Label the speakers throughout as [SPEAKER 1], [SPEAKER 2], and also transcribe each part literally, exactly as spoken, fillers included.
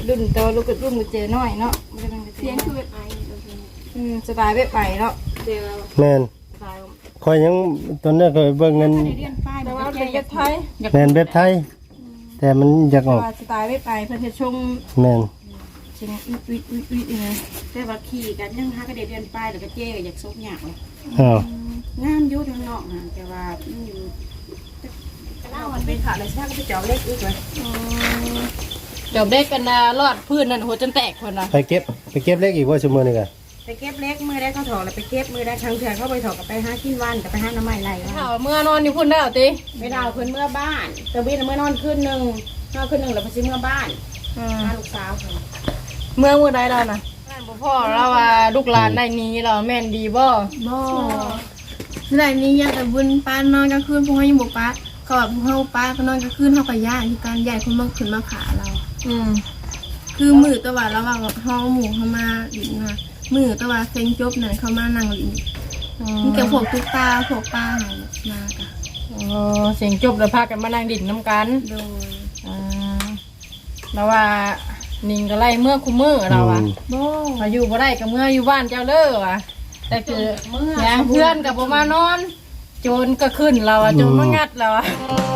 [SPEAKER 1] รุ่นโตลูกรุ่นมือเจน้อยเนาะเสียงคือแบบไออืมสไตล์แบบไปเนาะ
[SPEAKER 2] แม่นคอยยังตอนนี้ก็เบิ่งเงิน
[SPEAKER 1] แต่ว่าเป็นแบบไทย
[SPEAKER 2] แม่นแบบไทยแต่มันอยากออก
[SPEAKER 1] สไตล์แบบไปเพื่อนจะชง
[SPEAKER 2] แม่น
[SPEAKER 1] ชิงอุ๊ยอุ๊ยอุ๊ยอุ๊ยอย่างเงี้ย
[SPEAKER 3] แต่ว่าขี่กันยังหากระเดียนปลายแล้วก็เจ๊ก็อยากซกหยาบเลย
[SPEAKER 2] อ้าว
[SPEAKER 3] งามยุ่ทางนอกนะแต่ว่าอยู่เล่ามันเป็นขาเลยใช่ก็ไปเจาะเล็กอีกเลย
[SPEAKER 1] เดี๋ยวเด็กกันนะรอดพื้นนั่นหัวจนแตกคนนะ
[SPEAKER 2] ไปเก็บไปเก็บเล็กอีกว่าชั่วโมงนึงอ่ะ
[SPEAKER 3] ไปเก็บเล็กมือได้เขาถอดแล้วไปเก็บมือได้ทางเถื่อนเขาไปถอดกับไปห้ากินวันกับไปห้าน้ำไม้ไร
[SPEAKER 1] ข่าวเมื่อนอนอยู่พุ่นได้หรอตี
[SPEAKER 3] ไม่ดาวคืนเมื่อบ้านแต่วินเมื่อนอนคืนหนึ่งนอนคืนหนึ่งแล้วไปซื้อเมื่อบ้านมาลูกสาว
[SPEAKER 1] เมื่อเมื่อใดเรานะพ่อเราว่าลูกหลานได้นี้เราแม่นดีบ่
[SPEAKER 4] บ่ได้นี้ยังแต่บุญป้านอนกลางคืนพวกเขายังบ่ป้าเขาแบบพวกเขาป้าก็นอนกลางคืนเขาก็ย่าที่การใหญ่คนมาขึ้นมาขาเรา
[SPEAKER 1] อืม
[SPEAKER 4] คือมือตะวันระหว่างห้องหมู่เขามาดินมามือตะวันเซ็งจบนั่นเขามานั่งดินมีแต่พวกตุ๊กตาพวกป้าหายมาค่ะ
[SPEAKER 1] อ๋อเสียงจบแล้วพากันมานั่งดินน้ำกัน
[SPEAKER 4] โดย
[SPEAKER 1] อ่าแล้วว่านิ่งก็ไล่เมื่อคุมมือเราอ่ะ
[SPEAKER 4] บ่
[SPEAKER 1] มาอยู่บ่ได้กับเมื่ออยู่บ้านเจ้าเล่อว่ะแต่คืออย่างเพื่อนกับผมมานอนโจรก็ขึ้นเราอ่ะโจรมางัดเราอ่ะ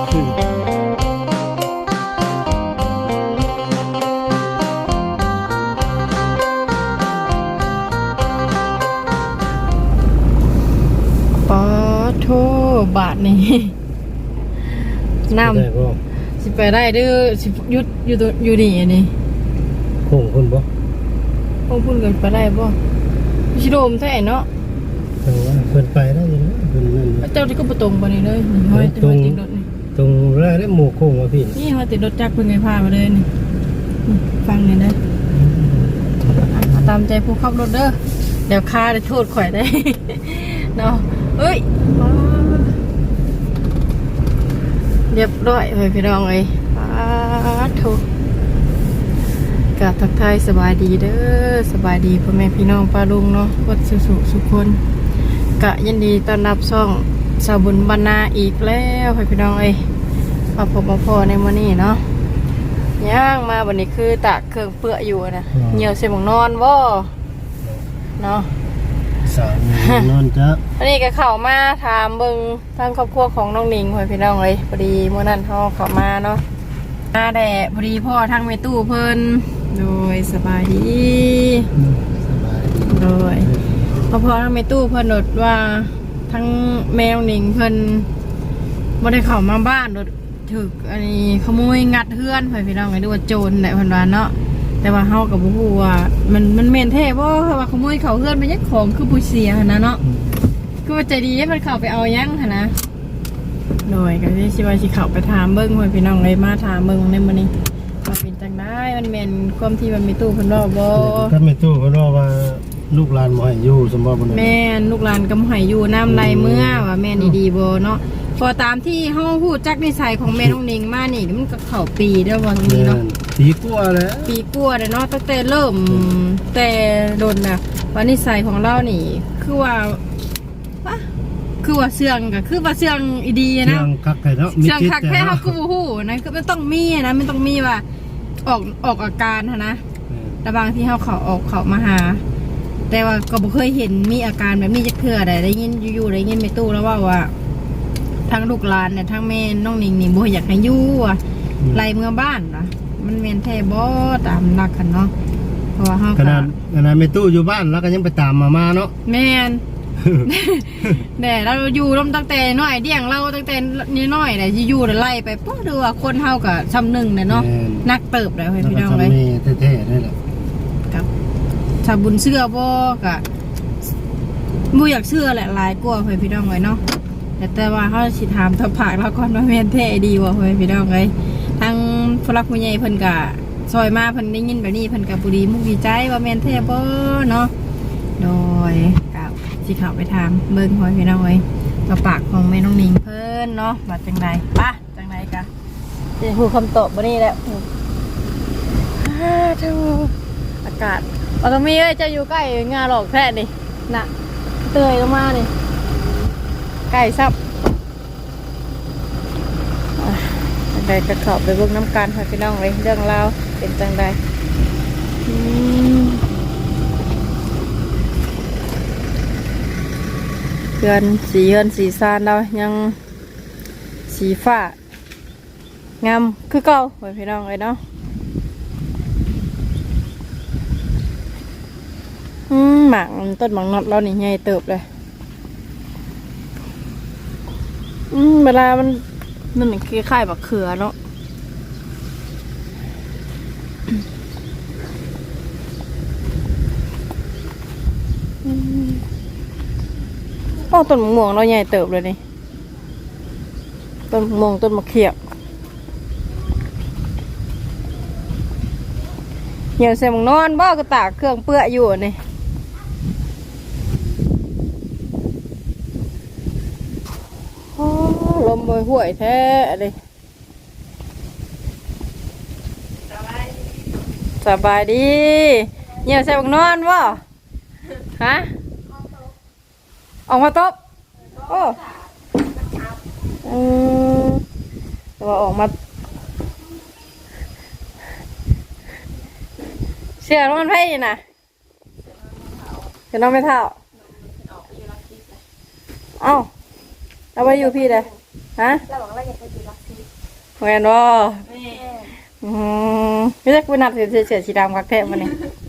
[SPEAKER 1] ปอโทบาทนี่น้ำสิไปได้ดื้อสิยุดอยู่ตัวอยู่ดีอันนี้
[SPEAKER 2] โค้งพุ่นบ่
[SPEAKER 1] โค้งพุ่นกันไปได้บ่ชิโดมแท้เนาะ
[SPEAKER 2] เออว่าเพิ่นไปได้อยู่นะเพิ่นนั่น
[SPEAKER 1] เจ้าที่ก็บ่ตรงบ่นี่เลยนี่ห้อยติดรถนี่
[SPEAKER 2] ตรงแรกได้หมู่โค้งว่าพี่
[SPEAKER 1] นี่ห้อยติดรถจักรเพิ่นไงพามาเลยนี่ฟังนี่นะตามใจผู้ขับรถเด้อเดี๋ยวค่าได้โทษข่อยได้เนาะเอ้ยเรียบร้อยเลยพี่น้องเอ้ยป้าทุกกะทักทายสบายดีเด้อสบายดีพ่อแม่พี่น้องป้าลุงเนาะวัดสุสุสุคนกะยินดีต้อนรับช่องสาวบุญบรรณาอีกแล้วพี่น้องเอ้ยมาพบมาพอในมื้อนี้เนาะย่างมาวันนี้คือตากเครื่องเปื้ออยู่นะเหี่ยวเสียมของนอนบ่เนาะ
[SPEAKER 2] สามีนอนจ้ะ
[SPEAKER 1] อันนี้ก็เข้ามาถามเบิ่งทางครอบครัวของน้องหนิงพี่น้องเลยพอดีเมื่อนั้นเขาเข้ามาเนาะมาแต่พอดีพ่อทางแม่ตู้เพิ่นโดยสบายดี
[SPEAKER 2] สบายดี
[SPEAKER 1] โดยพ่อพ่อทางแม่ตู้เพิ่นโดดว่าทั้งแมวหนิงเพิ่นบ่ได้เข้ามาบ้านโดดถึกอันนี้ขโมยงัดเฮือนพี่น้องเลยดูว่าโจรแหละเพิ่นว่าเนาะแต่ว่าเฮากับบ่ฮู้ว่ามันมันแม่นแท้บ่ว่าขโมยเขาเฮือนมันยังของคือผู้เสียหั่นนะเนาะคือว่าใจดีให้มันเข้าไปเอายังหั่นนะโดยก็สิว่าสิเข้าไปถามเบิ่งว่าพี่น้องเลยมาถามเบิ่งในมื้อนี้ว่าเป็นจังได๋มันแม่นความที่มันมีตู้เพิ่นว่าบ่
[SPEAKER 2] ก็มีตู้เพิ่นว่าว่าลูกหลานบ่ให้อยู่สมบ่บ่
[SPEAKER 1] แม่นลูกหลานก็บ่ให้อยู่น้ำไหลเมื่อว่าแม่นดีๆบ่เนาะพอตามที่เฮาฮู้จักนิสัยของแม่น้องนิงมานี่มันก็เข้าปีเด้อว่างี้เนาะ
[SPEAKER 2] ปีกว่าแล้ว
[SPEAKER 1] ปีกว่าเด้อเนาะตั้งแต่เริ่มแต่โดนน่ะว่านิสัยของเรานี่คือว่าว่าคือว่าเสื่องก็คือว่าเสื่องอีดีนะ
[SPEAKER 2] เสื่องคักแท้เนาะ
[SPEAKER 1] เสื่องคักแท้เฮาคือบ่ฮู้นะคือมันต้องมีนะมันต้องมีว่าออกออกอาการหั่นนะแต่บางที่เฮาเข้าออกเข้ามาหาแต่ว่าก็บ่เคยเห็นมีอาการแบบนี้จักเทื่อใดได้ยินอยู่ๆได้ยินแม่ตู้แล้วว่าว่าทั้งลูกหลานเนี่ยทั้งแม่น้องนิงนี่บ่อยากให้อยู่อ่ะไล่เมื่อบ้านนะมันแม่นแท้บ่ตามหลักกันเนาะเพราะว่าเฮา
[SPEAKER 2] ขนาดขนาดแม่ตู้อยู่บ้านแล้วก็ยังไปตามมามาเนาะ
[SPEAKER 1] แม่นแน่เราอยู่ร่มตั้งแต่น้อยเดี่ยงเราตั้งแต่น้อยๆได้สิอยู่ได้ไล่ไปปุ๊บดูว่าคนเฮาก็ซ้ำหนึ่งเนาะนักเติบได้พี่น้องเลย
[SPEAKER 2] แท้ๆได้แหละ
[SPEAKER 1] ครับถ้าบุญเชื่อบ่ก็บ่อยากเชื่อแหละหลายกว่าพี่น้องเลยเนาะแต่ว่าเขาสิถามทับผักแล้วก่อนว่าแม่นแท้ดีวะเฮ้ยพี่น้องเลยทางฝรั่งผู้ใหญ่เพิ่นกะซอยมาเพิ่นได้ยินแบบนี้เพิ่นกะบุรีมุกดีใจว่าแม่นแท้บ่เนาะโดยกับสิเข้าไปถามเบิ่งเฮ้ยพี่น้องเลยทับปากของแม่น้องนิงเพิ่นเนาะว่าจังไดป่ะจังไดกะจะฮู้คำตอบบ่นี่แหละฮ่าทูอากาศเอาตรงนี้เอ้ยจะอยู่ใกล้งาหลอกแท้นี่น่ะเตยลงมานี่ไก่ซับจังใดจะเข้าไปเบิ่งน้ำกันค่ะพี่น้องเลยเรื่องราวเป็นจังใดอืมเฮือนสีเฮือนสีซานเรายังสีฟ้างามคือเก่าไว้พี่น้องเลยเนาะอืมหมากต้นหมากนอดเรานี่ใหญ่เติบเลยอืมเวลามันมันคล้ายๆบักเขือเนาะโอ้ต้นมะม่วงเราใหญ่เติบเลยนี่ต้นมะม่วงต้นมะเขียบเหี่ยวใส่หมองนอนบ่ก็ตากเครื่องเปื้ออยู่นี่โอ้ลมบอยห่วยแท้เลยสบายดีเหี่ยวใส่หมองนอนบ่ฮะออกมาตบโอ้อืมแต่ว่าออกมาเชื่อว่ามันไพ่น่ะจะน้องไม่เท่าเอ้าเราไปอยู่พี่เลยฮะเราบอกว่าอยากไปอยู่รักซีแหวนว่าอืมไม่ใช่คุณนัดเสียเสียสีดำกักแทบมันนี่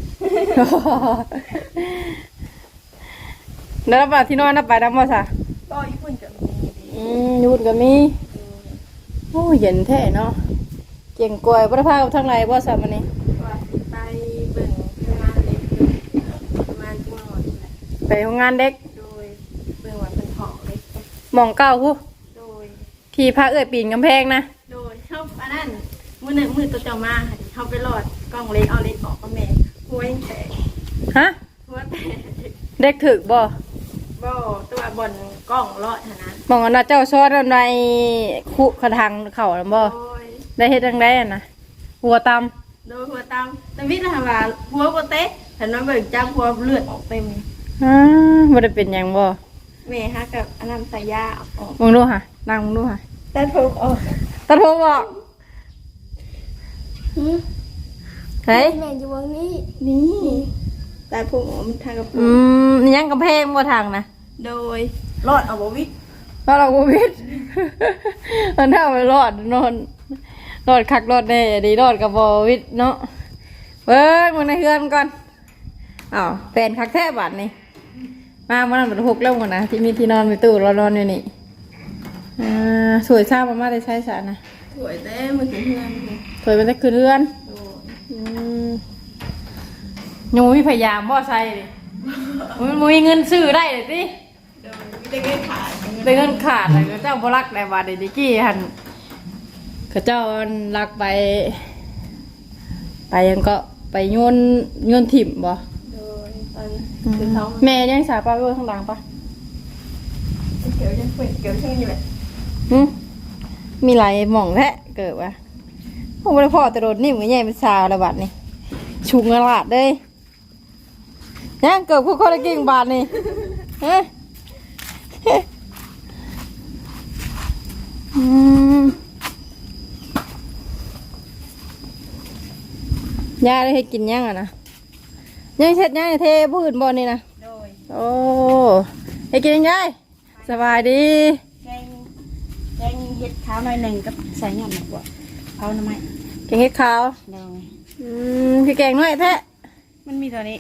[SPEAKER 1] แล้วมาที่นอนนับไปน้ำมาซะ
[SPEAKER 3] ก็ญี่ปุ่นกับ
[SPEAKER 1] อืมยุดก็มีโอ้เย็นแท้เนาะเก่งกล้วยพระพากับทางไหนบ่สามันนี่
[SPEAKER 3] ว่าไปเบิ่งงานเล็กประมาณชั่วโมงนี่แหละ
[SPEAKER 1] ไปโรงงานเด็ก
[SPEAKER 3] โดยเบิ่งว่าเป็นของเล็ก
[SPEAKER 1] หมองเก้าผู้
[SPEAKER 3] โดย
[SPEAKER 1] ที่พระเอื้อยปีนกำแพงนะ
[SPEAKER 3] โดยเข้าอันนั้นมือหนึ่งมือตัวเจ้ามาค่ะเข้าไปหลอดกล้องเล็กเอาเล็กออกก็แม่หัวยังแตก
[SPEAKER 1] ฮะ
[SPEAKER 3] หัวแตก
[SPEAKER 1] เด็กถึกบ่
[SPEAKER 3] บ่ตัวบนกล้องรอดเท่านั้น
[SPEAKER 1] หมองอันน่ะเจ้าซ้อนในคุกระทังเข่าแล้วบ่
[SPEAKER 3] โดย
[SPEAKER 1] ได้เฮ็ดจังได๋อ่ะนะหัวตำ
[SPEAKER 3] โดยหัวตามแต่วิทย์นะคะว่าหัวโปเต๊ะเห็นว่าเบิ่งจ้าหัวเลือดออกเต็ม
[SPEAKER 1] อ่าบ่ได้เป็นหยังบ่
[SPEAKER 3] แม่ฮะกับอันนั้นใส่ยาออก
[SPEAKER 1] มึงดูค่ะนั่งมึงดูค่ะ
[SPEAKER 3] แต่ถูกออก
[SPEAKER 1] ตาโทรบอกเฮ้ย
[SPEAKER 4] แม่อยู่วงนี้
[SPEAKER 3] นี่แต่ผมมันทางกับ
[SPEAKER 1] อืมยังกำแพงบ่ทางนะ
[SPEAKER 3] โดยรอดเอาบวิทย์
[SPEAKER 1] แล้วเราบ่วิด มันเท่าไปรอดนอนรอดคักรอดแน่ดีรอดกับบ่วิดเนาะเบิ่งมึงในเฮือนก่อนอ้าวแฟนคักแท้บัดนี่มามันนั้นเป็นหกแล้วก่อนนะที่มีที่นอนมีตู้รอนอนอยู่นี่อ่าสวยซ่ามามาได้ใช้สารนะ
[SPEAKER 3] สวยแต่มันถึงเพื่อนเลย
[SPEAKER 1] สวยเป็นแต่คืนเรือน
[SPEAKER 3] โดย
[SPEAKER 1] อืมยังมีพยายามบ่ใส่ดิมันมีเงินซื้อได้เลยสิ
[SPEAKER 3] โดยไม่ได้เงินขาย
[SPEAKER 1] ได้เงินขาดเลยเจ้าบ่รักได้บาดเดดิกี้หันเขาเจ้ารักไป ไปยังก็ไปโยนโยนถิ่มบ่
[SPEAKER 3] โดยตอนคือเขา
[SPEAKER 1] แม่ยังสาปลาไว้ข้างหลังปะ
[SPEAKER 3] เกี่ยวยังเปิดเกี่ยวช่างอยู่แบบ
[SPEAKER 1] หึมีหลายหม่องแท้เกิดวะโอ้บ่ได้พ่อแต่โดดนิ่มก็ใหญ่เป็นสาวแล้วบัดนี่ชุงกระลาดเด้ยยังเกิดพวกคนละกิ่งบาทนี่ฮะอืมยาได้ให้กินยังอ่ะนะยังเช็ดยังเทพื้นบอลนี่นะ
[SPEAKER 3] โดย
[SPEAKER 1] โอ้ให้กินยังไงสบายดี
[SPEAKER 3] แกงแกงเห็ดขาวหน่อยหนึ่งกับใส่หย่อมหน่อยกว่าเขาทำไม
[SPEAKER 1] แกงเห็ดขาว
[SPEAKER 3] โดย
[SPEAKER 1] อืมคือแกงน้อยแท้
[SPEAKER 3] มันมีตัวนี้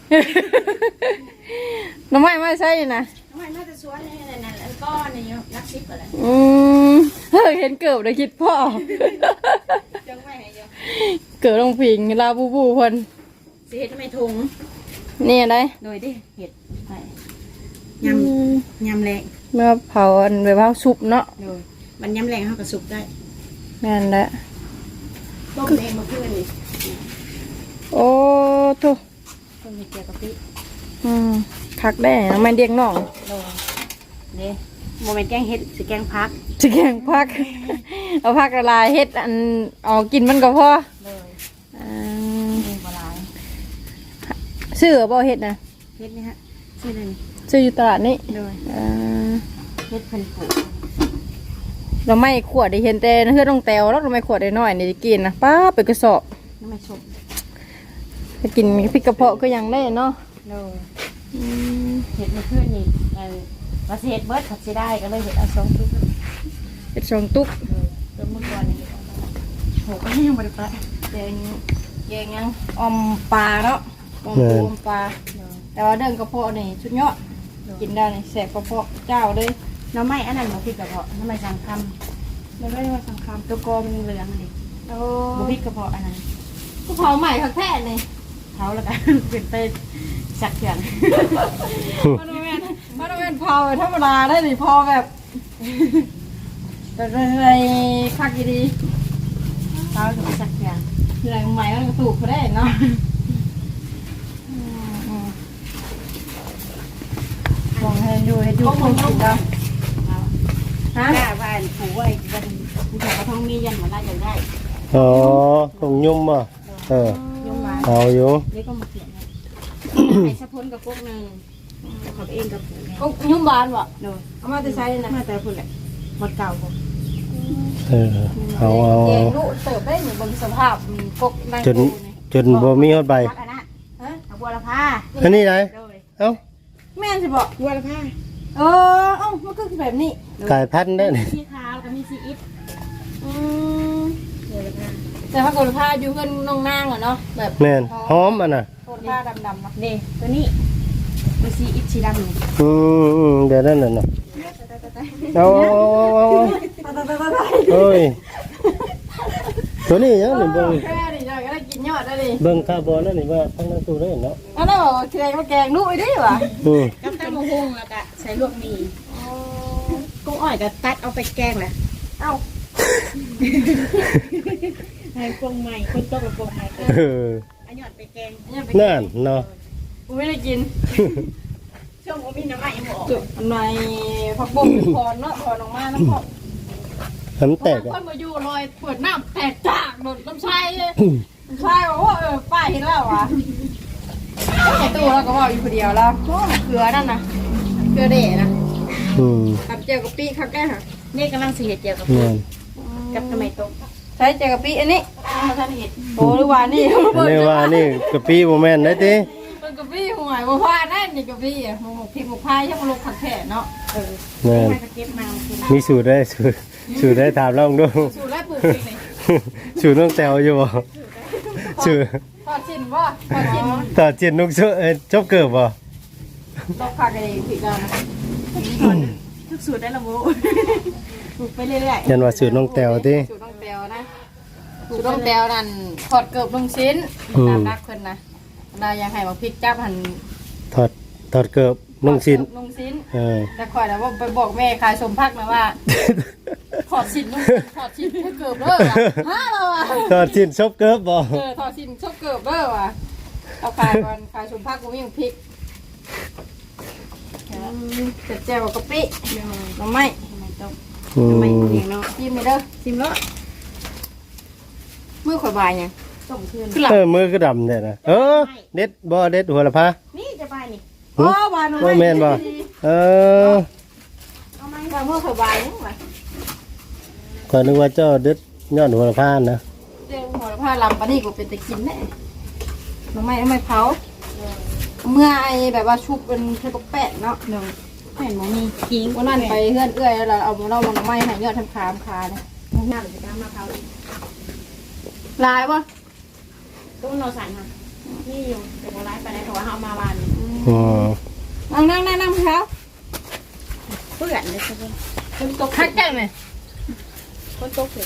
[SPEAKER 1] น้ำไม้ไม่ใช่นะ
[SPEAKER 3] ทำไมน่าจะสวนนี่นั่นแล้วก็นี่รักซิปอะไร
[SPEAKER 1] อืมเฮ้ยเห็นเกิบเลยคิดพ่อ
[SPEAKER 3] จังไม่ให้ยัง
[SPEAKER 1] เกิดลงผิงลาบูบูคน
[SPEAKER 3] สิเห็ดทำไมถุง
[SPEAKER 1] นี่อะไร
[SPEAKER 3] โดยดิเห็ดใส่ยำยำแรง
[SPEAKER 1] เมื่อเผาอันแบบว่าซุปเนาะ
[SPEAKER 3] โดยมันยำแรงเขากับสุกได้
[SPEAKER 1] นั่นแหละ
[SPEAKER 3] ต้มเองมาเพื่อนนี่
[SPEAKER 1] โอ้ทุ
[SPEAKER 3] ต้มเกี๊ยวกะปิ
[SPEAKER 1] อืมคักได้น้ำมันเดียงน่อง
[SPEAKER 3] โดยเด้โมเมนต์แกงเห็ดสิแกงพัก
[SPEAKER 1] จะแกงพัก เอาพักละลายเฮ็ดอันเออกกินมันก็พอ
[SPEAKER 3] โดย
[SPEAKER 1] อ่า
[SPEAKER 3] เองปลาย
[SPEAKER 1] ซื้อบ่เฮ็ดนะ
[SPEAKER 3] เห็ดนี่ฮะชื่ออะไรนี่
[SPEAKER 1] ซื้ออยู่ตลาดนี้
[SPEAKER 3] โดย
[SPEAKER 1] อ่า
[SPEAKER 3] เห็ดเพิ่นปลูก
[SPEAKER 1] เราไม่ขวดได้เห็นแต่เฮือต้องแตวแล้วเราไม่ขวดได้น้อยนี่ได้กินนะป้าไปกระสอบ
[SPEAKER 3] น้ำมันชม
[SPEAKER 1] ถ้ากินพริกกระเพาะก็ยังได้เนาะ
[SPEAKER 5] โดยเห็ดเมื่อคืนนี่อันว่าสิเห็ดเบิดผัดสิได้ก็เลยเห็ดเอาสองทุก
[SPEAKER 1] เฮ็ดสองตุก
[SPEAKER 5] เริ่มเมื่อก่อนนี่โหก็ยังบริปะ
[SPEAKER 1] แกงแกงยังออมปลาเนาะออมปูอมปลาแต่ว่าเรื่องกระเพาะนี่สุดยอดกินได้นี่แสบกระเพาะเจ้าเลย
[SPEAKER 5] น้ำไม้อันนั้นหมูพริกกระเพาะน้ำไม้สังคำมันไม่ได้ว่าสังคำตัวกอมันเหลืองเลย
[SPEAKER 1] โอ้
[SPEAKER 5] หมูพริกกระเพาะอันนั้น
[SPEAKER 1] กูเผาใหม่คักแท้นี่
[SPEAKER 5] เขาแล้วกัน เป็นไปสักเถื่อน
[SPEAKER 1] มันบ่แม่นมันบ่แม่นเผาธรรมดาได้นี่พอแบบแบบอะไรคักอีดี
[SPEAKER 5] เขาถึงสักเถื่อน
[SPEAKER 1] อะไรใหม่มันกระตุกเขาได้เนาะมองให้ดูให้ดูคนกินเนาะฮะ
[SPEAKER 5] กล้าบ้านผูไว้กันผู้ชายก็ต้องมียันหัวหน้าอย่างได้
[SPEAKER 2] อ๋อของยุ่มบ่เออย
[SPEAKER 5] งมา
[SPEAKER 2] เอาอยู่
[SPEAKER 5] เด็กก็มาเขียนไอ้สะพ้นกับพวกหนึ่งกับเองกับผูเนี่ย
[SPEAKER 1] ก็ยุ่มบานบ่
[SPEAKER 5] โดย
[SPEAKER 1] เอามาจะใช้นะ
[SPEAKER 5] มาแต่คนแหละหมดเก่าผม
[SPEAKER 2] เออเอาเอา
[SPEAKER 1] แก
[SPEAKER 2] เอา
[SPEAKER 1] งลูกเติบได้เหมือนบนสภาพกกนั่ง
[SPEAKER 2] จน
[SPEAKER 1] ดูนี่
[SPEAKER 2] จนบ่มีฮอดใบ
[SPEAKER 5] พักอันนั้นฮะเอาบัวละผ้า
[SPEAKER 2] อันนี้ไหน
[SPEAKER 5] โดย
[SPEAKER 2] เอ้า
[SPEAKER 1] แม่นสิบอก
[SPEAKER 5] บัวละผ้า
[SPEAKER 1] เออเอ้ามันก็คือแบบนี้
[SPEAKER 2] กลายพันธุ์ได้นี่
[SPEAKER 5] สีขาวกับมีสีอิฐ
[SPEAKER 1] อืม
[SPEAKER 5] บัวละผ้า
[SPEAKER 1] แต่ถ้าโกนผ้าอยู่เพื่อนน้องนางเหรอเนาะแบบ
[SPEAKER 2] แม่นหอมอันน่ะ
[SPEAKER 1] โกนผ้าดำๆเนาะ
[SPEAKER 5] เด้ตัวนี้มีสีอิฐสีดำนี่
[SPEAKER 2] อืมอืมเดี๋ยวนั่นน่ะเนาะเอาเอาเอาเอาเฮ้ยตัวนี้ยังนี่เบิ่ง
[SPEAKER 1] แค่นี้เราก็ได้กินยอดได้ดิ
[SPEAKER 2] เบิ่งคาร์บอนนั่นนี่ว่าทั้งนั้นตู้ได้เนาะ
[SPEAKER 1] อันนั้นบอกแกงมาแกงลูกอีดิวะ
[SPEAKER 2] อืม
[SPEAKER 5] กับตำมะฮุงแล้วก็ใส่ลวกหมี่กุ้งอ้อยก็ตัดเอาไปแกงแหละ
[SPEAKER 1] เอ้า
[SPEAKER 5] ให้ปรุงใหม่คนตกกับปรุงใหม่ก็
[SPEAKER 2] เออ
[SPEAKER 5] อันหยอดไปแกง
[SPEAKER 1] เนี่ยไป
[SPEAKER 2] นั่นเนาะ
[SPEAKER 1] กูไม่ได้กิน
[SPEAKER 5] ช่วงว่ามีน้ำมันยังบอก
[SPEAKER 1] จุดในผักบุ้งพรเนาะพรออกมาน้ำพอ
[SPEAKER 2] ทำแตก
[SPEAKER 1] ค
[SPEAKER 2] อ่ะ
[SPEAKER 1] นมาอยู่ลอยปวดน้ำแตกจากโดนน้ำชายเลยน้ำชายบอกว่าเออป้าเห็นแล้ววะไอตู้เราก็บอกอยู่คนเดียวแล้วโอ้เกลือนั่นนะเกลือเดะนะ
[SPEAKER 2] อืม
[SPEAKER 1] กับเจียวกะปิครับแกค่ะ
[SPEAKER 5] นี่กำลังสีเห็ดเจียวกับ
[SPEAKER 2] แม่น
[SPEAKER 5] กับทำไมต้ม
[SPEAKER 1] ใช้เจียวกะปิอันนี้
[SPEAKER 5] มาท่านเห็ด
[SPEAKER 1] โอ้หรือว่านี่
[SPEAKER 2] อันนี้ว่านี่กะปิบ่แม่นได้ติ
[SPEAKER 1] เป็นกะปิห่วยบ่พาแน่นนี่กะปิอ่ะหมกพริกหมกพายช่างมาลงขัดแผลเนาะ
[SPEAKER 5] เออ
[SPEAKER 2] แม่น
[SPEAKER 5] ให้กระเก็บมาคือ
[SPEAKER 2] มีสูตรได้สูตรสูตรได้ถามลองดู
[SPEAKER 1] สูตรแรกปลูกพริกนี่
[SPEAKER 2] สูตรน้องแตวอยู่บ่สูตร
[SPEAKER 1] ทอดชิ้นบ่ทอดชิ้น
[SPEAKER 2] ต่อเจียนนุกเชเอ่อจบเกิบบ่
[SPEAKER 1] ต้องผักไอ้พริกแล้วนะ
[SPEAKER 5] ทุกสูตรได้ละโว้ปลูกไปเรื่อย
[SPEAKER 2] ยันว่าสูตรน้องแตวติ
[SPEAKER 1] สูตรต้องแตวนะสูตรต้องแตวนั่นทอดเกือบลงชิ้นตามนักเพิ่นนะเราอยากให้มาพริกจับหั่น
[SPEAKER 2] ถอดถอดเกิบนุ่งชิ้น
[SPEAKER 1] ลงชิ้น
[SPEAKER 2] เออ
[SPEAKER 1] แต่ข่อยแล้วว่าไปบอกแม่ขายสมพักนะว่าถอดชิ้นนุ่งถอดชิ้นให้เกือบเด้อว่ะฮะเราอ่ะ
[SPEAKER 2] ถอดชิ้นชบเกิบบ่
[SPEAKER 1] เออถอดชิ้นชอบเกือบเด้อว่ะเอาขายก่อนขายสมพักกูมีพริกเจ็ดแจ่วกะปิน้ำไม้
[SPEAKER 5] ๆทำไมต้ม
[SPEAKER 2] อื
[SPEAKER 5] ทำไม
[SPEAKER 2] ม
[SPEAKER 5] เลี้ยงเนาะ
[SPEAKER 1] จิ้มไปเด้อจิ้มแล้วมือข่อยบายยัง
[SPEAKER 5] ต้มคืน
[SPEAKER 1] ขึ้นหลัง
[SPEAKER 2] เออมือก็ดำเนี่ยนะเออเด็ดบ่เด็ดหัวละพา
[SPEAKER 5] นี่จะไปนี่
[SPEAKER 1] โอ้บายน้ำ
[SPEAKER 2] บ่
[SPEAKER 1] ไม้
[SPEAKER 2] แม่นบ่เออ
[SPEAKER 5] เอาไหม
[SPEAKER 1] บายมือข่อยบายยังไง
[SPEAKER 2] ก็นึกว่าเจ้าเด็ดยอดหัวละพานะ
[SPEAKER 1] เจ้าหัวผ้าลำปานนี่กูเป็นตะกินแน่น้ำไม้น้ำไม้เผาเมื่อไอแบบว่าชุบเป็นเทปแปะเนาะ
[SPEAKER 5] เนาะแผ่นหมูมีกิ้ง
[SPEAKER 1] วันนั้นไปเฮือนเอื้อยแล้วเราเอาเรามาน้ำไม้ให้ยอดทำคามคาเนี่ย
[SPEAKER 5] หน้าหรือจะมาเขา
[SPEAKER 1] ลายวะ
[SPEAKER 5] ตุ้งเราสั่นค่ะนี่อยู่เป็นอะไรไปไหนเพราะว่าเขามาวัน
[SPEAKER 2] อืม
[SPEAKER 1] นั่งนั่งนั่งนั่งเท้า
[SPEAKER 5] เปื่อนเลยใช่ไหม
[SPEAKER 1] คนตกคักแก่ไหม
[SPEAKER 5] คนโตเกิด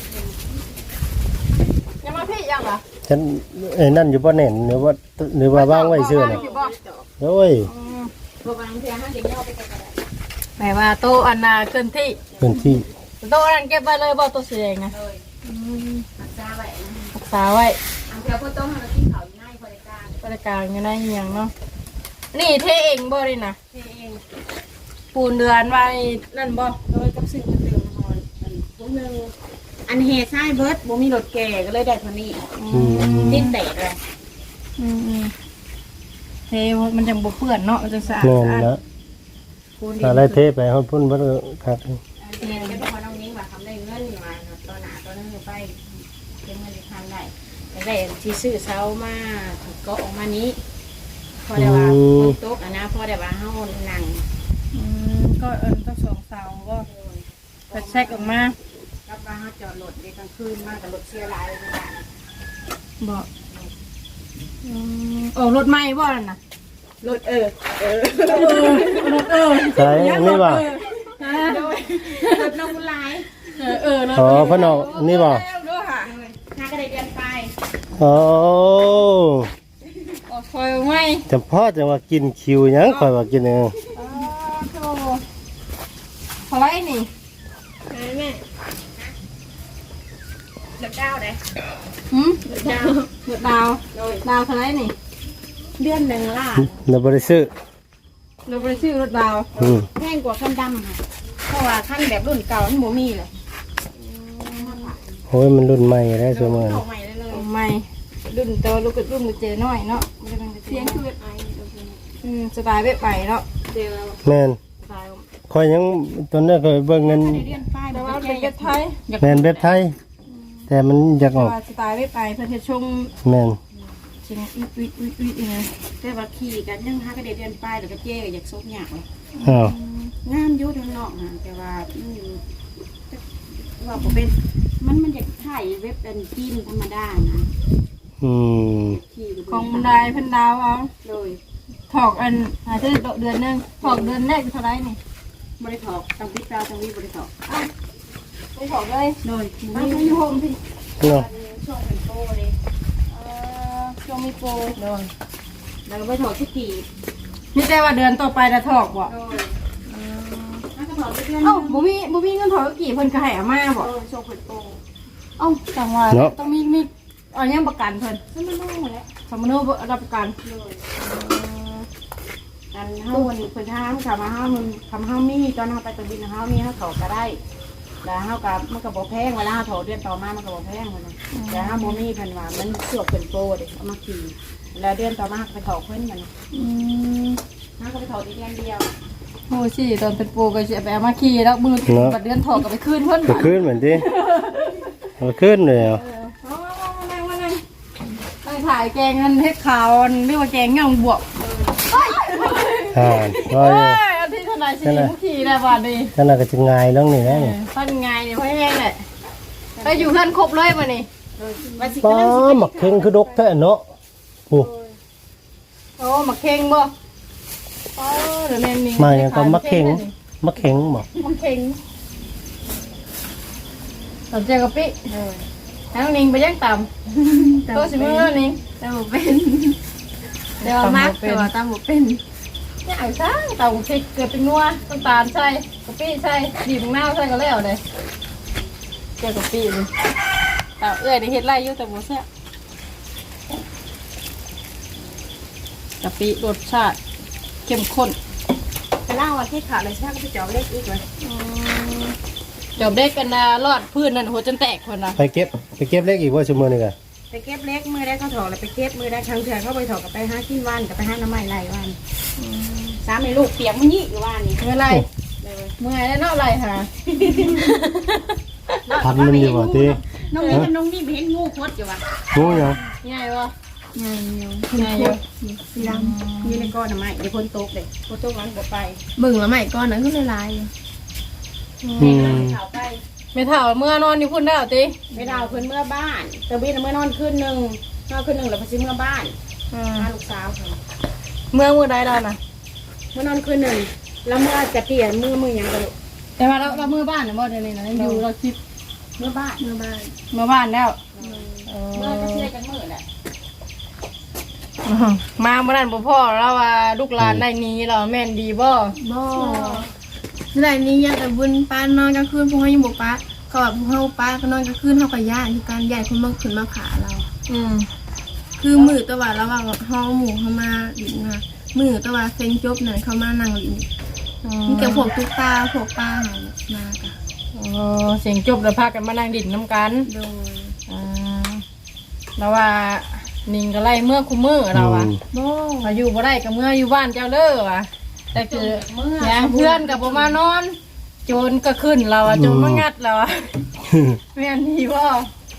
[SPEAKER 1] ยังมาพี่ยังเหรอ
[SPEAKER 2] ฉันเอ้ยนั่นอยู่บ่แน่นหรือว่าหรือว่าวางไว้เชื่อน่ะโอ้ย
[SPEAKER 5] ตัวบางทีห้างเด็กย่อไปกันอะไร
[SPEAKER 1] หมายว่าโตอันนาเกินที่
[SPEAKER 2] พื้นที่
[SPEAKER 1] โตอันนั้นเก็บไว้เลยบ่ตัวเสียงนะ
[SPEAKER 5] เลยหักซาไว้
[SPEAKER 1] รักษาไว้
[SPEAKER 5] อันเดียวพ่อต้องให้เราที่เขาง่ายบริการ
[SPEAKER 1] บริการอยู่ในอหย่างเนาะนี่เทเองบ่เลยนะ
[SPEAKER 5] เอง
[SPEAKER 1] ปูนเดือนไว้นั่นบ่
[SPEAKER 5] โดยกับสิ่งมันเติมนอนอันพวกนึงอันเฮซ่ายเบิร์ดบ่มีรถแก่ก็เลยได้เท่านี้
[SPEAKER 2] อืม
[SPEAKER 5] ดิ้นแตกเลย
[SPEAKER 1] อืมอืมเทมันจังบ่เปื้อนเนาะมันจังสะอาด
[SPEAKER 2] แม่น
[SPEAKER 1] สะอาด
[SPEAKER 2] แล้ว
[SPEAKER 5] คูณ
[SPEAKER 2] อะไรเทไปเฮาพุ่นบ่ครับ
[SPEAKER 5] เงินก็พอน้องนิ้งว่าทำได้เงินมาตัวหนาตัวนึงไปเป็นเงินทำได้แต่ได้ที่ซื้อเสามาก็ออกมานี้พอได้ว่าฝนตกอ่ะนะพอได้ว่าเฮานั่ง
[SPEAKER 1] อืมก็เอิ้นต้องสองเสาก็กระแทกออกมา
[SPEAKER 5] รับว่าเฮาจอดรถในกลางคืนมากับรถเสียหลายเลยจ้ะ
[SPEAKER 1] บอกอืมโอ้รถไหม้บ่นั่นน่ะ
[SPEAKER 5] รถเออเออ
[SPEAKER 1] รถเออ
[SPEAKER 2] ใช่อันนี้บ่
[SPEAKER 5] โดยรถน้องบุญหลาย
[SPEAKER 1] เออเออรถ
[SPEAKER 2] อ๋อเพิ่นเอาอันนี้บ่
[SPEAKER 1] ด้วยค่ะ
[SPEAKER 5] น้าก็ได้เดือนไป
[SPEAKER 2] โอ้
[SPEAKER 1] ออกคอยไหม้
[SPEAKER 2] จำพ่อจะว่ากินคิวหยังข่อยว่ากินเอง
[SPEAKER 1] อ๋อโธ่เท่าไหรนี่
[SPEAKER 4] ไหนแม่
[SPEAKER 5] เดือนเก้าเลย
[SPEAKER 1] หืม
[SPEAKER 5] เดือนเก้า
[SPEAKER 1] เดือดดาว
[SPEAKER 5] โดย
[SPEAKER 1] ดาวเท่าไหรนี่
[SPEAKER 5] เดือนหนึ่งล่ะ
[SPEAKER 2] เราบ่ได้ซื้อ
[SPEAKER 1] เราไปซื้อรถดาว
[SPEAKER 2] อืม
[SPEAKER 5] แพงกว่าขั้นดำค่ะเพราะว่าขั้นแบบรุ่นเก่ามันบ่มีเลย
[SPEAKER 2] โอ้ยมันรุ่นใหม่แล้วซุมื้อ
[SPEAKER 5] เข้า
[SPEAKER 2] นี้
[SPEAKER 5] ใหม่ได้เลย
[SPEAKER 1] ใหม่รุ่นโตลูกกระรุ่นกระเจน้อยเนาะมันจะเป็นกระเจ
[SPEAKER 4] เสียงคือไอ
[SPEAKER 1] อืมสไตล์เว็บไปเนาะ
[SPEAKER 5] เดี๋ยว
[SPEAKER 2] แม่น
[SPEAKER 1] สไตล์
[SPEAKER 2] ข่อยยังตอนนั้นข่อยเบิ่งเงิน
[SPEAKER 5] ได้เดือนป้าย
[SPEAKER 1] แต่
[SPEAKER 5] แต่
[SPEAKER 1] ว่า
[SPEAKER 5] ว่า
[SPEAKER 1] เป็นเว็บไทย
[SPEAKER 2] แม่นเว็บไทย แต่มันอยากอ
[SPEAKER 1] แต่
[SPEAKER 2] อก
[SPEAKER 1] ว่าสไตล์เว็บไปเพื่อนจะชง
[SPEAKER 2] แม่น
[SPEAKER 1] เชิงอุ๊ยอุ๊ยอุ๊ยอุ๊ยอย่างเงี้ย
[SPEAKER 5] แต่ว่าขี่กันยังหาก็ได้เดือนป้ายแล้วก็เจ๊ก็อยากซบหยากเลย
[SPEAKER 2] อ้าว
[SPEAKER 5] งามอยู่ทางนอกนะแต่ว่าอืมว่าผมเป็นมันมันอยากถ่ายเว็บเป็นจีนธรรมดานะ
[SPEAKER 2] อืม
[SPEAKER 5] ขี่ก็
[SPEAKER 1] ของ
[SPEAKER 5] บ่
[SPEAKER 1] บันไดเพันดาวเอา
[SPEAKER 5] โดย
[SPEAKER 1] ถอกอันอาจจะเดือนหนึงถอกเดือนแรกเท่าไหรนี่
[SPEAKER 5] บริถอกตังวิจาตังวิบริถอก
[SPEAKER 1] ไม่ถอกเลย
[SPEAKER 5] โดย
[SPEAKER 1] ไม่ต้องยุ่งพี่
[SPEAKER 2] เนาะ
[SPEAKER 5] ช่วงเป็นโตเลย
[SPEAKER 1] เอ่อช่วงมีโปร
[SPEAKER 5] โดยแล้วก็ไปถอกที่กี่
[SPEAKER 1] นี่แต่ว่าเดือนต่อไปจะถอกบ่
[SPEAKER 5] โดยน่าจะถอกเดือน
[SPEAKER 1] เอ้าบุมีบุมีเงินถอกกี่เพิ่นก็ให้อามาบ่
[SPEAKER 5] โดยช่วงเป็นโต
[SPEAKER 1] เอ้าจังว่าต้องมีมีเอายังประกันเพิ่น
[SPEAKER 5] นั่นมันนู่นหมดแล้ว
[SPEAKER 1] สมมติว่ารับประกัน
[SPEAKER 5] โดยกันเฮาวันนี้เพิ่นถามค่ะมาเฮามันทำเฮามีตอนเฮาไปตะบินเฮามีเฮาถอกก็ได้แล้วเฮากับมันก็บ่แพงเวลาเฮาถอกเดือนต่อมามันก็บ่แพงเพิ่นน่ะแต่เฮาบ่มีเพิ่นว่ามันสวกเป็นโตเด้เอามาขี่แล้วเดือนต่อมาก็ไปถอกเพิ่นมัน
[SPEAKER 1] อืม
[SPEAKER 5] เฮาก็ไปถอกอีกเดือนเดียว
[SPEAKER 1] โอ้สิตอนเป็นโปรก็จะไปเอามาขี่แล้วมือบัดเดือนถอกก็ไปคืนเพิ่น
[SPEAKER 2] ไปขึ้นเหมือนที่เอาขึ้นเลยเหรอ
[SPEAKER 1] เอามานั่งมานั่งตั้งถ่ายแกงนั่นเฮ็ดขาวเรียกว่าแกงเงาบวก
[SPEAKER 2] อ่าว่า
[SPEAKER 1] เอ้
[SPEAKER 2] อยู่
[SPEAKER 1] ยอันที่ทนายสีมุขีได้บาดดี
[SPEAKER 2] ขนาดก็จะง่ายแล้วนี่นะนี่
[SPEAKER 1] ท่านไงเนี่ยพ่อแห้งเลยไปอยู่เพื่อนครบเลยมานี่
[SPEAKER 5] ว่าสิ
[SPEAKER 2] ป้า
[SPEAKER 5] กำลังสิ
[SPEAKER 2] หมักเข่งคือดกแท้เนาะโอ้
[SPEAKER 1] โอ้หมักเข่งบ่โอ้เดี๋ยวแม่มี
[SPEAKER 2] มาอย่างก็มักเข่งมักเข่งบ่
[SPEAKER 1] หมักเข่งตำเจียวกะปิทั้งนิงไปย่างต่ำตัวสิมือนิง
[SPEAKER 4] แต่บ่เป็นเดี๋ยวมักแต่ว่าตามบ่เป็น
[SPEAKER 1] เนี่ยไอ้ช่างเต่าพริกเกลือเป็นนัวน้ำตาลใส่กะปิใส่บีบมะนาวใส่ก็แล้วเลยเจียวกะปิเลยแต่เอ้ยได้เฮ็ดไรอยู่แต่บ่แซ่บกะปิรสชาติเข้มข้น
[SPEAKER 5] ไปเล่าว่าที่ขาดเลยใช่ไหมก็ไปจอบเลขอีกเลย
[SPEAKER 1] จบเด็กกันนะรอดพื้นนั่นหัวจนแตกคนนะ
[SPEAKER 2] ไปเก็บไปเก็บเล็กอีกว่าชั่วโมงนึงอ่ะ
[SPEAKER 5] ไปเก็บเล็กมือได้เขาถอกแล้วไปเก็บมือได้ครั้งเถื่อเขาไปถอกกับไปห้าขี้วันกับไปห้าน้ำไม้ไรวันสามในลูกเปียกมันยี่อยู่วันนี้
[SPEAKER 1] เมื่อไรเมื่อไรเนาะไรค่ะ
[SPEAKER 2] พันมันอยู่บ่ที่
[SPEAKER 5] น้องนี่กับน้องนี่เห็นงูคดอยู่วัน
[SPEAKER 2] งูหยัง
[SPEAKER 1] ง่ายวะ
[SPEAKER 4] ง่ายอยู่
[SPEAKER 1] ง่ายอยู่
[SPEAKER 4] สีดำ
[SPEAKER 5] นี่ในก้อนน้ำไม้เดี๋ยวพ้นตกเลยพ้นตกวันก็ไป
[SPEAKER 4] เบิ่งแล้วใหม่ก่อนนั้นคือหลายๆอยู่
[SPEAKER 2] อืม
[SPEAKER 5] ข่าวไป
[SPEAKER 1] ไม่เท่าเมื่อนอนอยู่พุ่นได้หรอติ
[SPEAKER 5] ไม่ดาวขึ้นเมื่อบ้านตะบินเมื่อนอนขึ้นหนึ่งนอนขึ้นหนึ่งแล้วพอซื้อเมื่อบ้านพาลูกสาวเขา
[SPEAKER 1] เมื่อเมื่อใดเราน่ะ
[SPEAKER 5] เมื่อนอนขึ้นหนึ่งแล้วเมื่อจะเปลี่ยนมือมือยังกระลุก
[SPEAKER 1] แต่ว่าเราเราเมื่อบ้านเนี่ยบ่เดี๋ยวนี้นะยังอยู่เราคิด
[SPEAKER 5] เมื่อบ้าน
[SPEAKER 4] เมื่อบ้าน
[SPEAKER 1] เมื่อบ้านแล้ว
[SPEAKER 5] เมื่อจะเชื่อกันมือแหละ
[SPEAKER 1] มาเมื่อนั้นบ่พ่อเราว่าลูกหลานได้หนี้เราแม่นดีบ่
[SPEAKER 4] บ่ได้นี้ยังแต่บุญป้านอนกลางคืนพวกเขายังบ่ป้าเขาแบบพวกเฮาป้าก็นอนกลางคืนเฮาก็ย่านที่การใหญ่คนมาขึ้นมาขาเรา
[SPEAKER 1] อืม
[SPEAKER 4] คือมือตะวันระหว่างห้องหมู่เข้ามาดินนะมือตะวันเซ็งจบนั่นเข้ามานั่งดินมีแต่พวกตุ๊กตาพวกป้าหายมาค่ะ
[SPEAKER 1] อ๋อเสียงจบแล้วพากันมานั่งดิ่นน้ำกัน
[SPEAKER 4] โดย
[SPEAKER 1] อ่าแล้วว่านิงก็ไล่เมื่อคุมือเราอ่ะ
[SPEAKER 4] โบ
[SPEAKER 1] พออยู่บ่ได้ก็เมื่ออยู่บ้านเจ้าเด้อว่ะแต่คืออย่างเพื่อนกับบ่มานอน โจรก็ขึ้นเราอ่ะโจรมางัดเราอ่ะแม่นดีบ่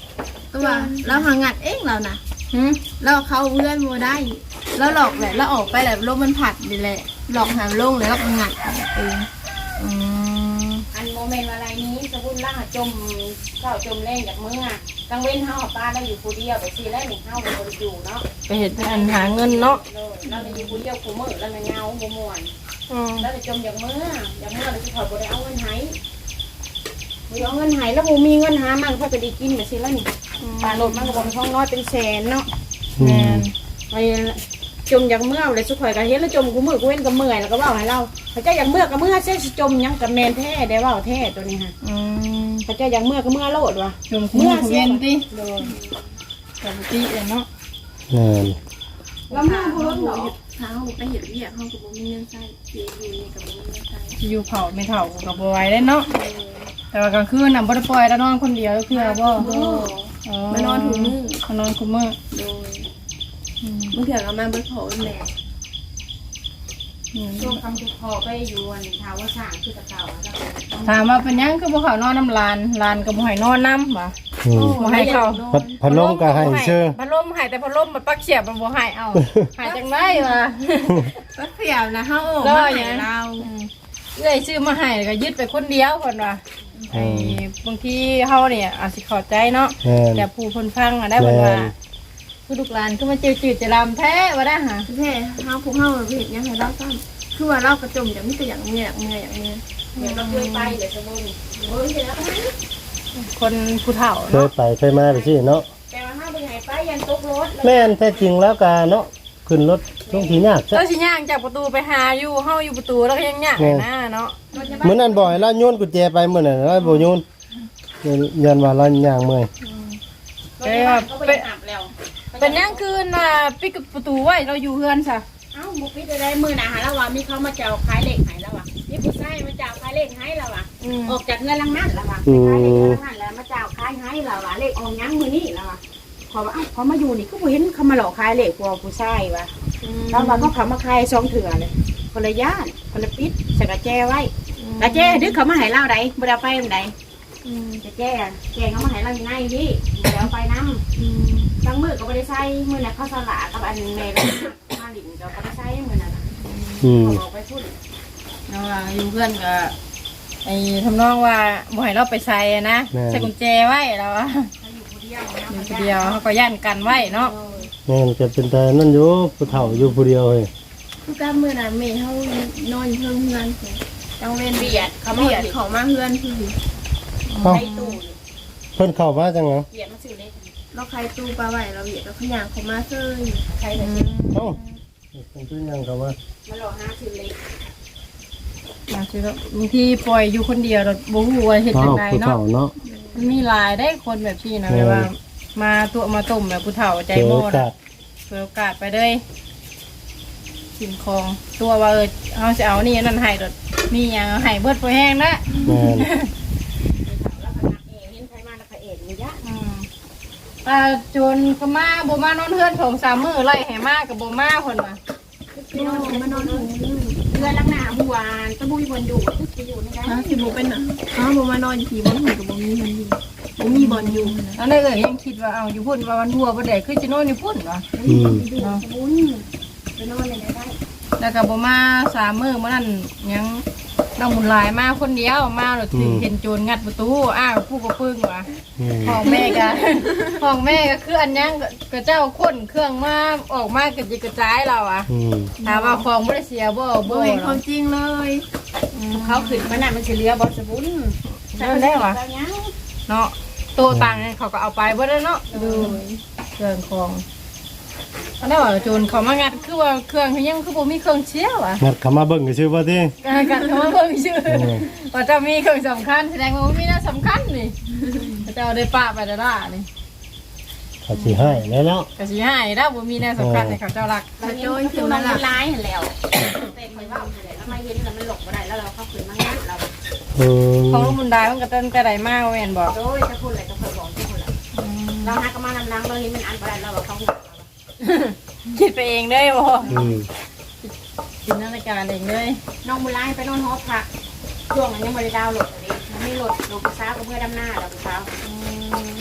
[SPEAKER 4] ตัวเราหางัดเองเรานะ
[SPEAKER 1] หืม
[SPEAKER 4] เราเข้าเพื่อนโมได้แล้วหลอกแหละแล้วออกไปแหละลมมันผัดดีแหละหลอกหาลงเลยแล้วก็งัดเอง
[SPEAKER 1] อืม
[SPEAKER 5] อันโมเมนต์อะไรนี้สมมุติล่าจมเจ้าจมแรงจากมืออ่ะกลางเว้นเฮาป้าเราอยู่ผู้เดียวไปสิแล้วหนึ่งเฮาบ่ได้อยู่เนาะ
[SPEAKER 1] ไปเฮ็ดอันหาเงินเนาะ
[SPEAKER 5] เราได้อยู่ผู้เดียวผู้มื้อแล้วมันเงาบ่ม่วน
[SPEAKER 1] อืม
[SPEAKER 5] แล้วได้จมจากมือจากมือเราสิขอบ่ได้เอาเงินให้บ่เอาเงินให้แล้วบ่มีเงินหามันเพิ่นก็ได้กินไปสิแล้วนี่ปลาโลดมันก็บ่มีท้องน้อยเป็นแสนเนาะ
[SPEAKER 2] อื
[SPEAKER 1] แม่
[SPEAKER 2] ม
[SPEAKER 1] น
[SPEAKER 5] ไปจมอย่างเมื่อเลยสุข่อยก็เห็นแล้วจมกูมือกูเว้นก็เมื่อยแล้วก็เว่าให้เราพระเจ้าอย่างเมื่อก็เมื่อเส้นสิจมหยังกับแมนแท้ได้เว่าแท้ตัวนี้ฮะ
[SPEAKER 1] อืม
[SPEAKER 5] พระเจ้าอย่างเมื่อก็เมื่อโลดวะ
[SPEAKER 1] จมคุ้มเวียนติ
[SPEAKER 5] โดน
[SPEAKER 1] ปกติเลยเนาะ
[SPEAKER 2] แม่น
[SPEAKER 5] แล้วเมื่อกูรถเหรอ
[SPEAKER 4] ถ้าเขาไปเห็นเรียกเขากับบ่มีเงินใช้เสียอยู่นี่กับบ่มีเงินใช้
[SPEAKER 1] อยู่เผาไม่เฒ่าก็บ่ไหวได้เนาะแต่ว่ากลางคืนน่ะบ่ได้ปล่อยแล้วนอนคนเดียวคือบ่
[SPEAKER 4] โอ้มานอนถูมือ
[SPEAKER 1] มานอนคุมมื้อ
[SPEAKER 4] โดยบางเถื่อก็มาเบิดโผล่แม่
[SPEAKER 1] อืม
[SPEAKER 5] ช่วงคำจุกคอไปอยู่อันทาวสร้างคือตะเก่าแล้วก็
[SPEAKER 1] ถามว่าเป็นหยังคือบ่เข้านอนน้ำลานลานก็บ่ให้นอนน้ำบ่
[SPEAKER 2] อืม
[SPEAKER 1] บ่ให้เข้า
[SPEAKER 2] พัดพัดลมก็ให้เชื่อ
[SPEAKER 1] พัดลมให้แต่พัดลมมันปักเสียบมันบ่ให้เอาให้จังได๋วะ
[SPEAKER 4] ก็เสียวนะเฮาโอ้
[SPEAKER 1] ก็
[SPEAKER 4] มา
[SPEAKER 1] อย่า
[SPEAKER 4] ให้
[SPEAKER 1] งนั้น
[SPEAKER 4] เรา
[SPEAKER 1] เอ้ยซื้อมาให้ก็ยึดไปคนเดียวเพิ่นว่าไอ้บางทีเฮาเนี่ยอาจสิเข้าใจเนาะ
[SPEAKER 2] แม่น
[SPEAKER 1] แต่ผู้เพิ่นฟังอ่ะได้เพิ่นว่าคือลูกหลานคือมาจืดจืดจะลำแท้ว่าได้หา
[SPEAKER 4] แท้เฮาพวกเฮาเฮ็ดหยังให้เราซ้ํคือว่าเรากระจมจะมีแต่อย่างเมียอย่างเมียอย่างเมีย
[SPEAKER 5] เดี๋ยวเราเคยไปเดี๋ยวสมมุติเฮ้ยเดี๋ยวนะ
[SPEAKER 1] คนผู้เฒ่า
[SPEAKER 2] เคย
[SPEAKER 1] เนาะ
[SPEAKER 2] ไปเคยมาไปสิเนาะ
[SPEAKER 5] แต่ว่าห้าไปไหนไปยันตกรถ
[SPEAKER 2] แม่นแท้จริงแล้วก็เนาะขึ้นรถต้องทียากซะ
[SPEAKER 1] เจ้าสิย่างจากประตูไปหาอยู่เฮาอยู่ประตูแล้วก็ยังย่าง
[SPEAKER 2] แม่
[SPEAKER 1] หน้าเนาะ
[SPEAKER 2] มื้อนั้นบ่ให้เราโยนกุญแจไปมื้อนั้นเราบ่โยนยันว่าเราย่างเมื่อย
[SPEAKER 5] รถยาบาลก็ไปอาบแล้ว
[SPEAKER 1] เป็นหยังคืนน่ะปิดประตูไว้เราอยู่เฮือนซะ
[SPEAKER 5] เอ้าบุปิดได้มือหนาหาแล้วว่ามีเขามาเจ้าขายเหล็กให้แล้วว่ะมีผู้ชายมาเจ้าขายเหล็กให้แล้วว่ะ
[SPEAKER 1] อืม
[SPEAKER 5] ออกจากเงินลังนั่นแล้วว่ะไปขายเหล็กเงินลังนั่นแล้วมาเจ้าขายให้แล้วว่ะเหล็กออกยังมือนี่แล้วว่ะขอว่าเอ้าเขามาอยู่นี่ก็บ่เห็นเขามาหลอกขายเหล็กกว่าผู้ชายว่ะแล้วว่าเขาเขามาขายซองเถื่อเลยคนละย่านคนละปิดใส่กระแจไว้กระแจดึกเขามาให้เล่าใดบ่ได้เอาไปมันใดกระแจแจเขามาให้เราอยู่ในนี่บ่ได้เอาไปน้ำบางมือก็บ่ได้ใส่มือน่ะเขาสละกับอันแม่มาหลินก็บ่ได้ใส่มือน่ะ
[SPEAKER 2] อืม
[SPEAKER 5] ออกไปพูด
[SPEAKER 1] เนาะว่าอยู่เฮือนก็ไอ้ทำนองว่าบ่ให้เราไปใส่อะนะใส่กุญแจไว้แล้วอะ
[SPEAKER 5] อยู่คนเดียวนะ
[SPEAKER 1] อยู่คนเดียวเขาก็ย่านกันไว้เนาะ
[SPEAKER 2] แม่นจะเป็นแต่นั่นอยู่ผู้เฒ่าอยู่ผู้เดียวเฮ้ย
[SPEAKER 4] คือการมื้อนั้นแม่เฮานอนอยู่เทิงเฮือนพุ่นจังเว้น
[SPEAKER 5] เบียดเขา
[SPEAKER 4] เขา
[SPEAKER 5] มา
[SPEAKER 4] เบียด
[SPEAKER 5] เบียด
[SPEAKER 4] เขามาเฮือนคือ
[SPEAKER 2] เอ้า
[SPEAKER 5] ใครตู้
[SPEAKER 2] เพิ่นเข้ามาจังเหรอ
[SPEAKER 5] เบียดมาซื้อเล็ก
[SPEAKER 4] เราใครตู้ปลาไหวเราเบียดเราขยางเขามาเซย
[SPEAKER 5] ใครเลย
[SPEAKER 2] เอ้าเพิ่นเป็นยังเข้ามา
[SPEAKER 5] มาหลอกหาซื้อเล็ก
[SPEAKER 1] บางทีก็บางทีปล่อยอยู่คนเดียวเราบ่ฮู้ว่าเฮ็ด
[SPEAKER 2] เอ้า
[SPEAKER 1] จังได
[SPEAKER 2] ผู้
[SPEAKER 1] เนาะ
[SPEAKER 2] เฒ่าเนาะ
[SPEAKER 1] มันมีหลายได้คนแบบพี่นะ
[SPEAKER 2] เออ
[SPEAKER 1] แบบว่า มาตัวมาต้มแบบผู้เฒ่าใจ
[SPEAKER 2] เจอ
[SPEAKER 1] โม่
[SPEAKER 2] โอกา
[SPEAKER 1] นะ
[SPEAKER 2] ส
[SPEAKER 1] เปิดโอกาสไปเลยสิ่งของตัวว่าเออเฮาสิเอานี่นั่นให้ดอกมีหยังเอาให้เบิดบ่แห้งนะ
[SPEAKER 2] แม่น
[SPEAKER 5] แล้วก็นักเองเห็นใครมาแล้วก็เอกมียะ
[SPEAKER 1] อืมอ่าจนก็มาบ่มานอนเฮือนสองสามมื้อไล่ให้มาก็บ่มาเพิ่นว่า
[SPEAKER 5] พี่น้องมานอนหนูเรือลังหน้าบัวตะบุยบนอยู่จะอยู่ในนั้น
[SPEAKER 4] ฮะสิบ่เป็นอ่ะอ้าวบ่มานอนขี่บ่หุ่นกับบ่มีมันอยู่บ่มีบ่อนอยู่นะ
[SPEAKER 1] อันนั้นเอ้ยยังคิดว่าเอาอยู่พุ่นว่าวันทัวบ่ได้คือสินอนอยู่พุ่นวะ
[SPEAKER 2] อืม
[SPEAKER 5] อยู่ตะบุญไปนอนในได้
[SPEAKER 1] แล้วก็บ่มาสามมื้อมื้อนั้นยังน้องบุญหลายมาคนเดียวมาแล้วถึงเห็นโจรงัดประตูอ้าวผู้ก็ปึ้งว่ะ
[SPEAKER 2] อืม
[SPEAKER 1] ห้องแม่ก็ ห้องแม่ก็คืออันยังก็เจ้าคนเครื่องมาออกมากระจิกกระจายเราอ่ะ
[SPEAKER 2] อืม
[SPEAKER 1] ถามว่าของไม่ได้เสียบ่
[SPEAKER 4] บ่
[SPEAKER 1] บ่
[SPEAKER 4] เห็นความจริงเลย
[SPEAKER 5] เขาขึ้นมาน่ะมันเฉลี่ยบอสบุญ
[SPEAKER 1] นั่นได้วะเนาะโตต่างกันเขาก็เอาไปบ่ได้เนาะดูเครื่องของอันนั้นว่าโจรเขามางัดคือว่าเครื่องเขายังคือบ่มีเครื่องเชียวอ่ะ
[SPEAKER 2] งัดเข้ามาเบิ่งก็ชื่อว่าติ
[SPEAKER 1] การกันเขามาเพิ่มชื่อ
[SPEAKER 2] เออ
[SPEAKER 1] ว่าจะมีเครื่องสำคัญแสดงว่ามีน่าสำคัญนี่เขาจะเอาได้ปะไปได้ล่ะนี่
[SPEAKER 2] เขาสิให้แล้วเนาะ
[SPEAKER 1] ก็สิให้ถ้าบ่มีน่าสำคัญให้เขาเจ้ารัก
[SPEAKER 5] เราโจยคือมันร้ายเห็นแล้วแต่คอยว่าแล้วมาเย็นแล้วมันหลบมาได้แล้วเราเข้าขึ้นมางัดเรา
[SPEAKER 2] อืม
[SPEAKER 1] ของลูกบุญได้มันก็เต้นแต่ใดมากแม่นบอก
[SPEAKER 5] โดยจะพูดอะไรจะเคยบอกที่คนละเราหากมาลำลังเราเห็นมันอันตรายเราเขาหัว
[SPEAKER 1] คิดไปเองได้บ่
[SPEAKER 2] อืม
[SPEAKER 1] จินตนาการเองเลย
[SPEAKER 5] น้องบุญไล่ไปนอนหอพักช่วงนั้นยังบริดาวหลดเลยมันไม่หลดหลดกระซ้าก็เมื่อดำหน้าเรากระซ้าเลย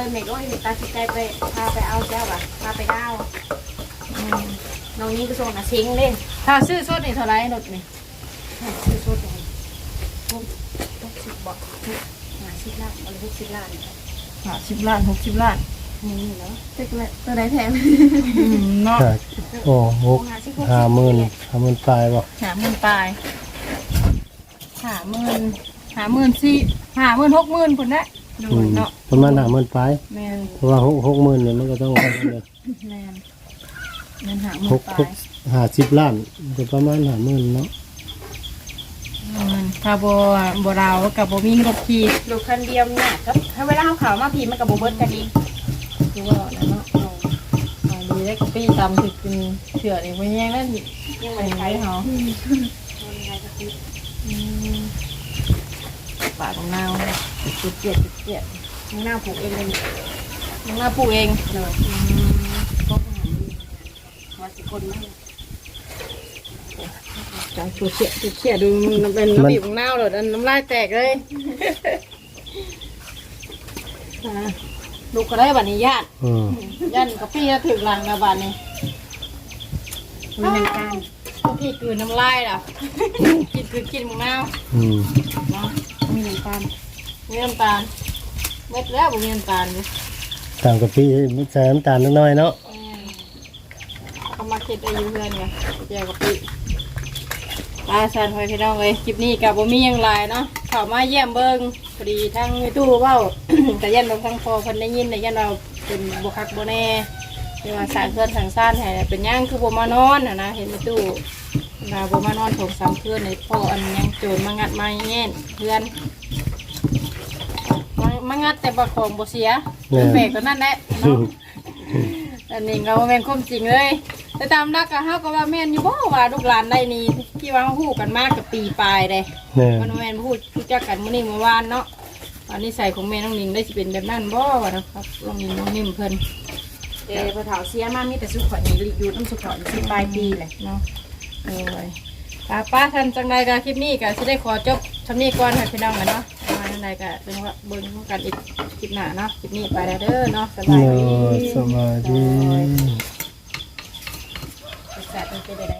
[SPEAKER 5] เมกโอ้ยตัดสินใจไปพาไปเอาเจ้าว่ะพาไปเอาอืมน้องนี้ก็ส่งน่ะเซ็งเล่น
[SPEAKER 1] ถ้าซื้อสดนี่เท่าไหร่รถนี่
[SPEAKER 5] ซื้อสดเลยหกหกสิบบอกหาสิบล้านเอาเลยหกสิบล้าน
[SPEAKER 1] ห้าสิบล้านหกสิบล้าน
[SPEAKER 5] นี่เนาะ
[SPEAKER 4] ตึกเลยตัวไหนแพง
[SPEAKER 1] อืมเนาะ
[SPEAKER 2] ใช่โอ้หกห้าหมื่นห้าหมื่นปลายบ่
[SPEAKER 1] หาหมื่นปลายหาหมื่นหาหมื่นสี่หาหมื่นหกหมื่นคนละดู
[SPEAKER 2] อืม
[SPEAKER 1] เนาะ
[SPEAKER 2] ประมาณห้าหมื่นปลาย
[SPEAKER 1] แมน
[SPEAKER 2] เพราะว่าหกหกหมื่นเนี่ยมันก็ต้องเอาเลย
[SPEAKER 1] แมนแมนหาหมื่
[SPEAKER 2] ห
[SPEAKER 1] น
[SPEAKER 2] ก
[SPEAKER 1] ปลา
[SPEAKER 2] ห
[SPEAKER 1] ย
[SPEAKER 2] กห้าสิบล้านจะประมาณห้าหมื่นเนาะ
[SPEAKER 1] อืมถ้าบ่บ่ดาวกับบ่มีรถขี่
[SPEAKER 5] ลูกคันเดียวเนี่ยก็ถ้าเวลาเขาขาวมาพีมันกับโบเบิร์ตกันอีก
[SPEAKER 1] คือว่านั่นเนาะเอาเอาดีได้กะปี้ตำถึกกินเถื่อนี่บ่แย่งแล้วนี่
[SPEAKER 5] ยัง
[SPEAKER 1] ไป
[SPEAKER 5] ไม่
[SPEAKER 1] ไหน
[SPEAKER 5] ใช้
[SPEAKER 1] เฮา
[SPEAKER 5] เขา
[SPEAKER 1] อืมปากของนาวจุดเจียดจุดเจียด
[SPEAKER 5] หน้าผูกเองเลย
[SPEAKER 1] น้องหน้าปลูกเอง
[SPEAKER 5] เลยก็ว่าสิคนมาก
[SPEAKER 1] จังจุดเจียดจุดเจียดดูมันเป็นระเบียบของนาวเลยอันน้ำลายแตกเลยอ่าลูกก็ได้บัดนี้ญาติ
[SPEAKER 2] อืม
[SPEAKER 1] ยันกะปี้ก็ถึงหลังนะบัดนี้
[SPEAKER 5] มันเป็นการ
[SPEAKER 1] กะปี้คืนน้ำลายล่ะ กินคือกินมึงน้าว
[SPEAKER 2] อืม
[SPEAKER 1] เนาะ
[SPEAKER 5] มีน้ำตาล
[SPEAKER 1] มีน้ำตาลเม็ดแล้วบ่มีน้ำตาลเลย
[SPEAKER 2] ตามกับพี่ใส่น้ำตาลนิดหน่อยเนาะ
[SPEAKER 1] เขามาคิดอายุเพื่อนไงเจียวกะปี้ปลาซันหอยพี่น้องเลยคลิปนี้กับบ่มีหยังหลายเนาะเข้ามาเยี่ยมเบิ่งพอดีทั้งมีตู้เว้า แต่ยันบางทั้งพอเพิ่นได้ยินแต่ยันเราเป็นบ่คักบ่แน่ที่ว่าสร้างเพื่อนสร้างซ่านให้เป็นหยังคือบ่มานอนน่ะนะเห็นมีตู้เราบ่มานอนถงสามเพื่อนในพ่ออันยังโจรมางัดมาแย่นเพื่อนมามางัดแต่บ่ของบ่เสียแปลกตัวนั้นแหละเนาะ อันนี้ก็บ่แม่นความจริงเลยแต่ตามรักก็เฮาก็ว่าแม่นอยู่บ่ว่าลูกหลานได้นี่ที่ว่าเฮาฮู้กันมากกับปีปลายเด้
[SPEAKER 2] เนี่ย
[SPEAKER 1] มันแม่นพูดรู้จักกันมื้อนี้เมื่อวานเนาะอันนี้ใส่ของแม่น้องนิงได้สิเป็นแบบนั้นบ่วะนะครับน้องนิงน้องนิ่มเพิ่น
[SPEAKER 5] เดี๋ยวพอเถาเสียมามีแต่สุขขอนี่อยู่น้ำสุขขอที่ปลายปีเลย
[SPEAKER 1] เนาะโอ้ยป้าป้าทันจังไดก็คลิปนี้ก็สิได้ขอจบทำนี้ก่อนให้พี่น้องกันเนาะมาจังไดก็เป็นว่าเบิ่งกันอีกคลิปหน้าเนาะคลิปนี้ไปแล้วเด้อเนาะสบาย
[SPEAKER 2] เนา
[SPEAKER 1] ดี
[SPEAKER 2] ะสบายดี
[SPEAKER 1] แซ่บเป็นไปได้